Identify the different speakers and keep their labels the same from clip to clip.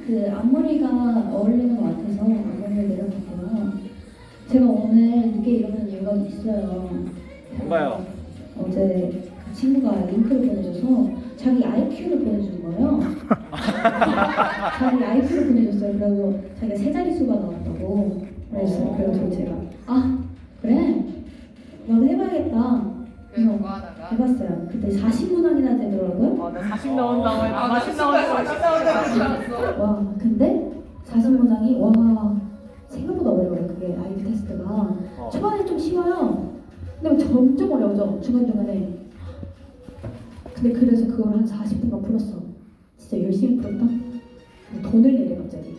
Speaker 1: 그 앞머리가 어울리는 것 같아서 앞머리를 내려봤고요. 제가 오늘 늦게 일어난 이유가 있어요.
Speaker 2: 뭔가요?
Speaker 1: 어제 그 친구가 링크를 보내줘서 자기 IQ를 보내주는 거예요. 자기 IQ를 보내줬어요. 그래서 자기가 세 자릿수가 나왔다고 그랬어요. 그래서 제가 아 그래? 나도 해봐야겠다. 그래서 해봤어요. 그때 40문항이나 되더라고요.
Speaker 3: 나 40 나온다고 했 40 나온다고 40 나온다고.
Speaker 1: 와 근데 40문항이 와 생각보다 어려워요. 그게 IQ 테스트가 초반에 좀 쉬워요. 근데 점점 어려워져 중간중간에. 근데 그래서 그걸 한 40분간 풀었어. 진짜 열심히 풀었다. 돈을 내래 갑자기.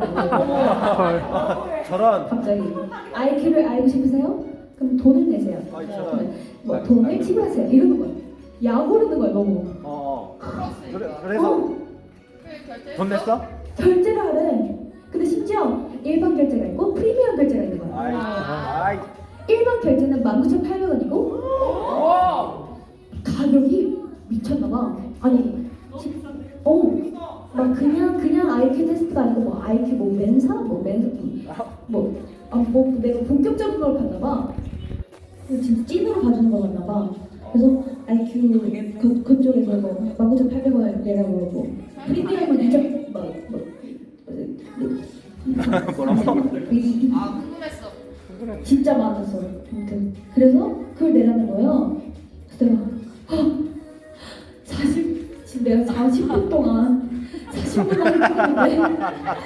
Speaker 2: 저런.
Speaker 1: 갑자기 IQ를 알고 싶으세요? 그럼 돈을 내세요.
Speaker 2: 저런.
Speaker 1: 뭐 돈을 지불하세요. 이러는 거야. 약 오르는 거야 너무.
Speaker 2: 그래서 돈 냈어?
Speaker 1: 결제를 하래. 근데 심지어 일반 결제가 있고 프리미엄 결제가 있는 거야.
Speaker 2: 아이.
Speaker 1: 일반 결제는 19,800원이고 가격이 미쳤나봐. 아니, 막 그냥 IQ 테스트가 아니고 뭐 IQ 뭐 멘사 뭐 내가 본격적인 걸 봤나봐. 진짜 찐으로 봐주는 거 같나봐. 그래서 IQ 그쪽에서 뭐 19,800원 내라고 그러고 프리미엄은 2점
Speaker 2: 뭐라고?
Speaker 4: 궁금했어.
Speaker 1: 진짜 많았어. 아무튼 그래서 그걸 내라는 거예요. 그래서 내가 40분 동안 40분을 했는데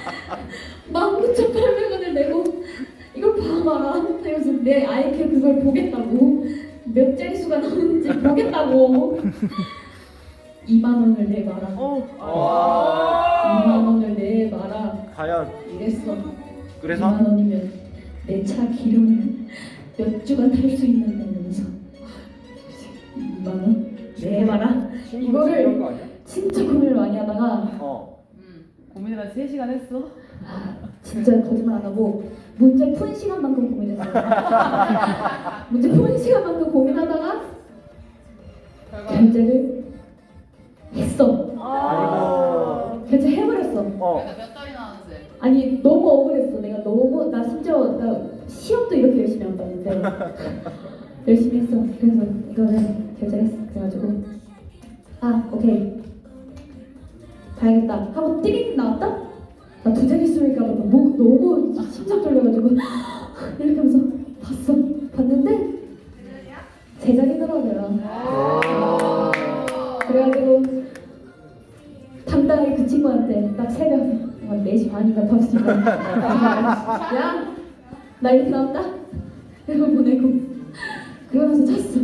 Speaker 1: 19,800원을 내고 이걸 봐봐라. 그래서 내 IQ 그걸 보겠다고 몇 자릿수가 나오는지 보겠다고 2만 원을 내봐라. 2만 원을 내봐라.
Speaker 2: 과연
Speaker 1: 이랬어.
Speaker 2: 그래서
Speaker 1: 2만 원이면 내 차 기름을 몇 주간 탈 수 있는데 이러면서 2만 원 내봐라. 이거를 진짜 고민을 많이 하다가
Speaker 3: 고민을 한 3시간 했어?
Speaker 1: 진짜 거짓말 안 하고 문제 푸는 시간만큼 고민했어요. 문제 푸는 시간만큼 고민하다가 결제를 했어.
Speaker 2: 아이고.
Speaker 1: 결제해버렸어.
Speaker 4: 몇 달이 나왔는데?
Speaker 1: 아니 너무 억울했어. 나 심지어 나 시험도 이렇게 열심히 안 봤는데 열심히 했어. 그래서 이거를 결제했어. 그래가지고 오케이 가야겠다 하고 띠링 나왔다. 나 두 자릿수니까 너무 심장 떨려가지고 이렇게 하면서 봤는데 세 자리더라고요. 그래가지고 당당하게 그 친구한테 딱 새벽 4시 반인가 5시인가 야! 나 이렇게 나왔다? 이거 보내고 그러면서 잤어.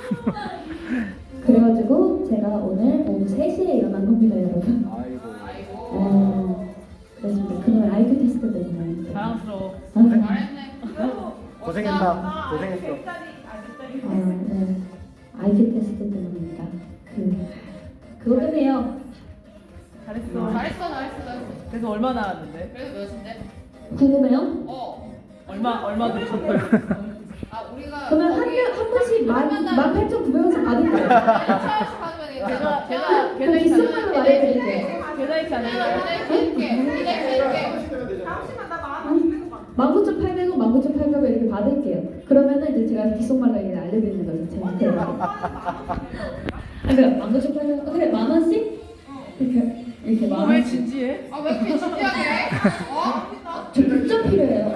Speaker 1: 그래가지고 제가 오늘 오후 3시에 일어난 겁니다 여러분. 그렇습니다. 그날 IQ 테스트 때문에
Speaker 3: 자랑스러워.
Speaker 4: 잘했네.
Speaker 2: 고생했다. 고생했어.
Speaker 1: 네. IQ 테스트 때문입니다. 그거 때문에요.
Speaker 3: 잘했어.
Speaker 4: 잘했어.
Speaker 3: 그래서 얼마 나왔는데?
Speaker 4: 그래서 몇인데?
Speaker 1: 궁금해요?
Speaker 3: 얼마 들었어요?
Speaker 4: 우리가
Speaker 1: 그러면 한 번씩 18,900원씩 받을 거예요. 그 비싼 걸로 말해드릴게요.
Speaker 3: 계좌이체 안 해요?
Speaker 1: 19,800원, 19,800원 이렇게 받을게요. 그러면은 이제 제가 귓속말로 알려드리는 거죠. 제가 그러니까 19,800원, 그래 10,000원씩 이렇게 만
Speaker 3: 왜
Speaker 1: 원씩.
Speaker 3: 진지해?
Speaker 4: 왜 이렇게 진지하게 해?
Speaker 1: 저 급전 필요해요.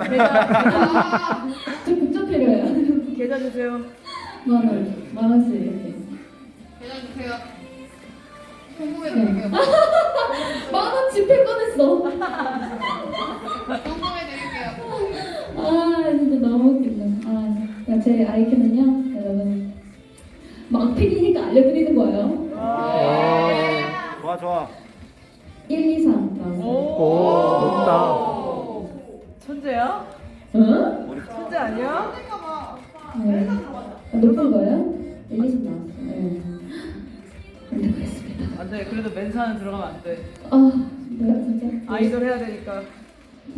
Speaker 1: 저 급전 필요해요.
Speaker 3: 계좌 주세요.
Speaker 1: 만 원씩 이렇게.
Speaker 4: 계좌 주세요. 궁금해드릴게요.
Speaker 1: 10,000원 지폐 꺼냈어.
Speaker 4: 궁금해드릴게요.
Speaker 1: 진짜 너무 웃긴다. 그러니까 제 IQ는요, 여러분 막필이니까 알려드리는 거예요.
Speaker 2: 좋아.
Speaker 1: 1, 2, 3 나왔어요.
Speaker 3: 높다. 천재야?
Speaker 1: 응?
Speaker 3: 천재 아니야?
Speaker 1: 네. 높은 거예요? 1, 2, 3 나왔어요. 네. 그랬습니다.
Speaker 3: 안 돼. 그래도 멘사는 들어가면 안 돼.
Speaker 1: 내가 진짜
Speaker 3: 아이돌 해야 되니까.